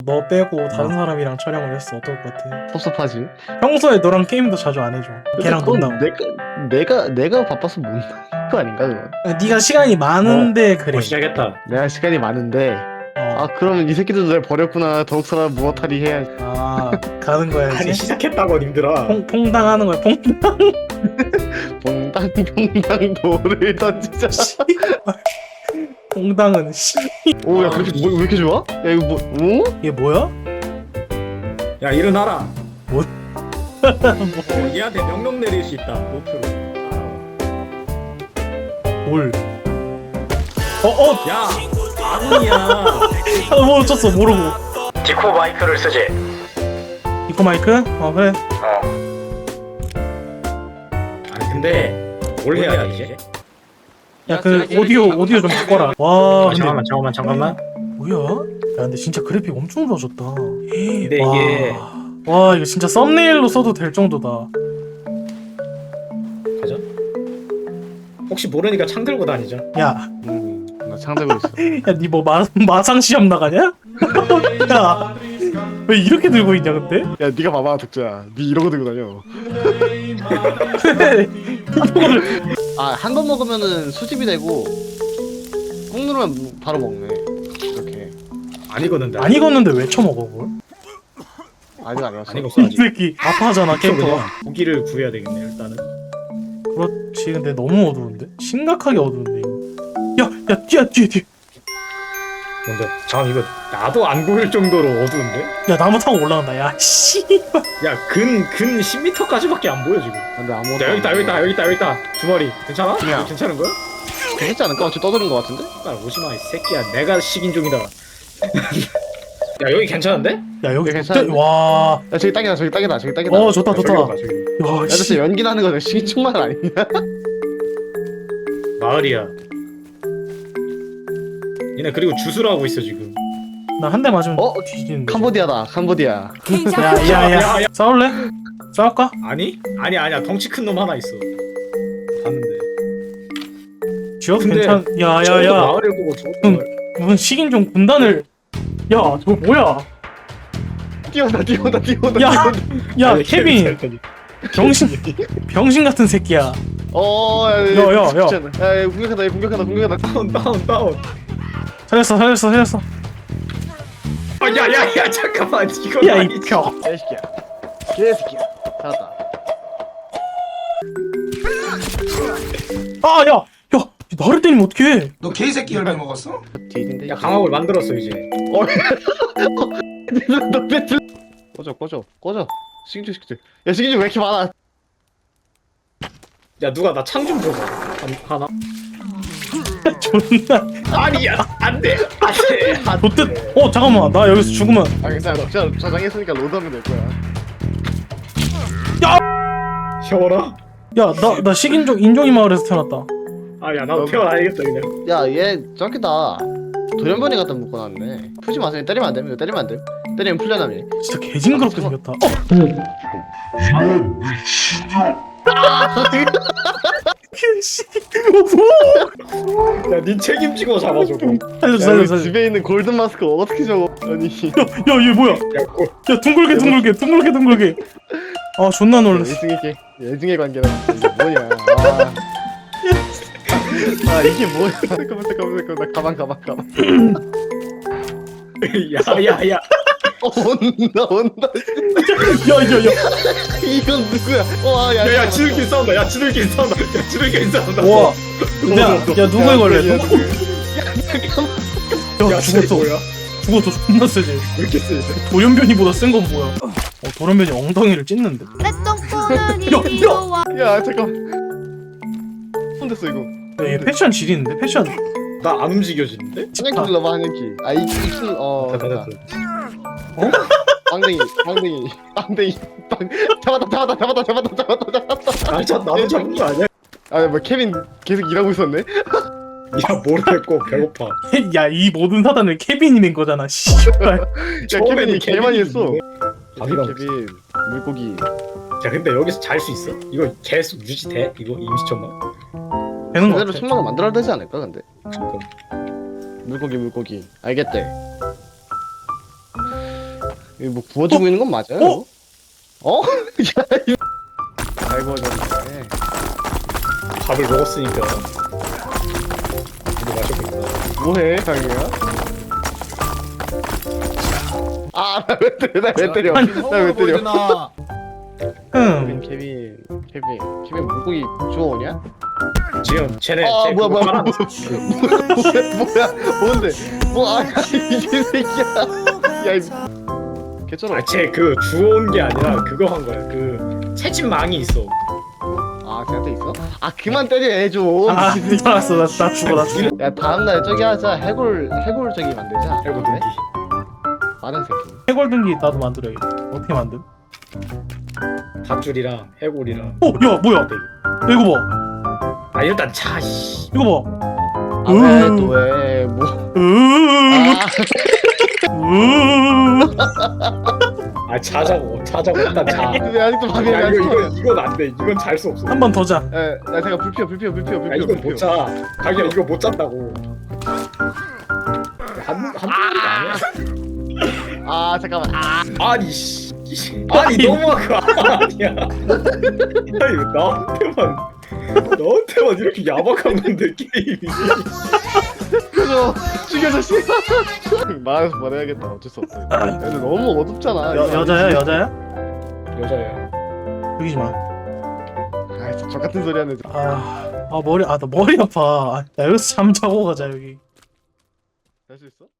너 빼고 다른 사람이랑 촬영을 했어. 어떨 것 같아? 섭섭하지. 평소에 너랑 게임도 자주 안 해줘. 걔랑 그건 논다고. 내가 바빠서 못 나는 거 아닌가 그건. 네가 시간이 많은데 그래. 시작했다. 내가 시간이 많은데. 어. 아 그러면 이 새끼들도 날 버렸구나. 더욱 사람 무어탈이 해야지. 아 가는 거야 아니 이제. 시작했다고 님들아. 퐁당하는 거야. 퐁당. 퐁당 퐁당 돌을 던지자. 퐁당은 씨. 오야 그렇게 왜 이렇게 좋아? 야 이거 뭐? 오? 이게 뭐야? 야 일어나라. 뭐? 얘한테 명령 내릴 수 있다. 목표로. 뭘? 야 아군이야. 뭐 어쩌어 모르고. 디코 마이크를 쓰지. 이코 마이크? 그래. 아니 근데 뭘 해야 돼 이제? 야 그 오디오 좀 바꿔라. 와 근데 잠깐만. 뭐야? 야 근데 진짜 그래픽 엄청 좋아졌다. 근데 와. 이게 와 이거 진짜 썸네일로 써도 될 정도다. 가자. 혹시 모르니까 창 들고 다니자. 야, 나 창대고 있어. 야, 니 뭐 마상 시험 나가냐? 야, 왜 이렇게 들고 있냐 근데? 야 네가 봐봐 덕주야. 네 이러고 들고 다녀. 이거를 아 한 번 먹으면은 수집이 되고 꾹 누르면 바로 먹네. 이렇게. 안 익었는데. 안 익었는데 왜 쳐먹어 그걸? 아직 안 왔어. 안 익었어 이 아직. 새끼 아파하잖아 캐릭터가. 고기를 구해야 되겠네 일단은. 그렇지 근데 너무 어두운데? 심각하게 어두운데 이거. 야, 뒤에. 뭔데? 잠깐 이거 나도 안 보일 정도로 어두운데? 야 나무 타고 올라간다. 야, 씨. 야 근 10m까지밖에 안 보여 지금. 근데 아무것도. 야 여기 있다. 두 마리. 괜찮아? 그냥. 이거 괜찮은 거야? 괜찮지 않을까? 어차피 떠드는 거 같은데? 빨리 오지마 이 새끼야. 내가 식인종이다. 야 여기 괜찮은데? 야 여기 괜찮은데? 진짜 와. 야 저기 딱이다. 좋다. 저기 봐봐, 저기. 야, 야 씨. 진짜 연기 나는 거 시기충만 아니냐? 마을이야. 얘네 그리고 주스를 하고 있어 지금. 나 한 대 맞으면 어? 뒤지는데. 캄보디아다. 캄보디아. 야. 싸울래? 싸울까? 아니야. 덩치 큰 놈 하나 있어. 봤는데. 지역 근데 괜찮. 저것도 야야야. 마을을 보고 저것도 응. 마을. 무슨 식인종 군단을. 야 저거 뭐야? 뛰어온다. 야, 야 아니, 케빈 병신 같은 새끼야. 야, 공격한다. 다운. 살렸어. 야야야 잠깐만 이거 야 이 아니지. 벽. 개새끼야. 살았다. 야, 나를 때리면 어떡해? 너 개새끼 열매 먹었어? 뒤진데. 야 강화을 만들었어 이제. 너 배틀. 꺼져. 시kin주. 야 시kin주 왜 이렇게 많아? 야 누가 나 창 좀 줘봐. 하나. 존나 아니야 안돼. 좋듯. 잠깐만 나 여기서 죽으면. 아 괜찮아. 너 저장했으니까 로드하면 될 거야. 쉬어라. 야 나 식인종 인종이 마을에서 태어났다. 아야 나도 태어나야겠다 그냥. 야 얘 저기다. 돌연변이 갖다 묶어놨네. 풀지 마세요. 때리면 안 돼. 이거 때리면 안 돼. 때리면 풀려나미. 진짜 개징그럽게 생겼다. 씨. 야니 책임지고 잡아줘. 살려줘. 집에 있는 골든 마스크 어떻게 적어? 아니. 야얘 뭐야? 야 둥글게. 아 존나 놀랐어. 예중의 관계는 이게 뭐냐? 아 이게 뭐야? 잠깐만 나 가방. 야야야. 온다. 야. 이건 누구야? 야 야야 지들끼리 싸운다. 야 지들끼리 싸운다. 와. 야 누구에 걸래? 야 죽었어. 뭐야? 죽었어 존나 세지. 왜 이렇게 세? 돌연변이보다 센 건 뭐야? 돌연변이 엉덩이를 찢는데. 야 잠깐. 손 됐어 이거. 야, 얘 패션 지리는데 패션. 나 안 움직여지는데? 한yan키 눌러봐 한yan키. 아 입술 됐다. 빵댕이 빵 잡았다. 나도 잡은 거 아니야? 아뭐 케빈 계속 일하고 있었네. 야 모르겠고 배고파. 야 이 모든 사단을 케빈이 낸 거잖아. 씨발. 야 처음에는 케빈이 개 많이 했어. 밥이랑 케빈 물고기. 야 근데 여기서 잘 수 있어? 이거 계속 유지돼? 이거 임시천만? 되는 거 제대로 같아. 승마가 만들어야 되지 않을까 근데. 물고기 알겠대. 이거 뭐 구워주고 있는 건 맞아요? 어? 어? 야, 이거 잘 구워졌네. 밥을 먹었으니까 이거 마셔보겠다. 뭐해, 강이야? 아, 나 왜 때려? 나 왜 때려? 나 왜 때려? 케빈 물고기 주워오냐? 지금 쟤네 아, 쟤 뭐야, 그거 뭐야, 깔아. 뭐야, 뭔데? 뭐, 이 새끼야. 야, 이 개쩔어. 쟤그 주워온 게 아니라 그거 한 거야. 그 채집망이 있어. 아, 걔한테 있어? 아, 그만 때려, 애 좀. 아 알았어 나 죽어 나 죽어. 야, 다음날 저기 하자. 해골 저기 만들자. 알고 든기. 빠른 새끼. 해골등기 나도 만들어야겠다. 어떻게 만듦? 밧줄이랑 해골이랑. 야 뭐야? 야, 이거 봐. 아 일단 자 씨. 이거 봐. 아, 왜, 또 왜, 뭐. 아, 아 자자고 일단 자. 왜 아직도 밥이 야 안 이건 안 돼. 이건 잘 수 없어. 한 번 더 자. 야, 제가 불 피워. 야 이건 못 자. 가기야 이거 못 잔다고. 한 분이가 아니야. 아, 잠깐만. 아, 아니 씨. 아니 너무한 거 아니야. 아니 왜 나한테만 이렇게 야박한 건데 게임이. 죽여줘, 씨. 말해서 말해야겠다. 어쩔 수 없어. 근데 너무 어둡잖아. 여자야? 여자야. 죽이지 마. 아, 진짜 저 같은 소리 하네. 나 머리 아파. 나 여기서 잠자고 가자 여기. 할 수 있어?